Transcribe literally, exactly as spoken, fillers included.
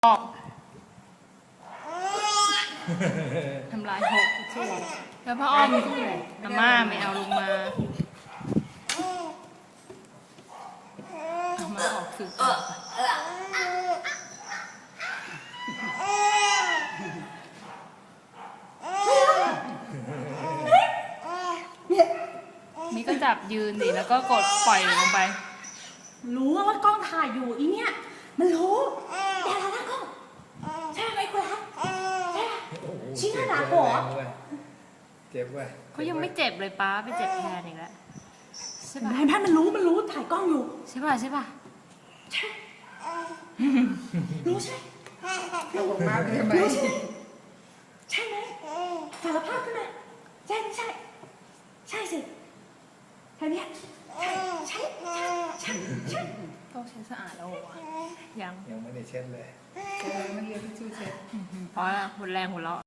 ออกทำลายหกแล้วพ่ออ้อมอาม่าไม่เอาลงมาเอามาออกสื่อต่อนี่ก็จับยืนดิแล้วก็กดปล่อยลงไปรู้ว่ากล้องถ่ายอยู่อีเนี่ยมันรู้แต่ละนะกล้องใช่ไหมคุณรักใช่ไหมชิ้นหนาหัวเจ็บเว้ยเขายังไม่เจ็บเลยป้าไปเจ็บแทนอีกแล้วใช่ป่ะแม่มันรู้มันรู้ถ่ายกล้องอยู่ใช่ป่ะใช่ป่ะใช่รู้ใช่เราบอกมาใช่ไหมใช่ไหมสารภาพขึ้นมาใช่ไม่ใช่ใช่สิใช่ไหมใช่ใช่ใช่ใช่ต้องใช้สะอาดแล้ววะยังยังไม่ได้เช็ดเลยเช็ดไม่เรียกที่ชูเช็ดเพราะหมดแรงหัวเราะ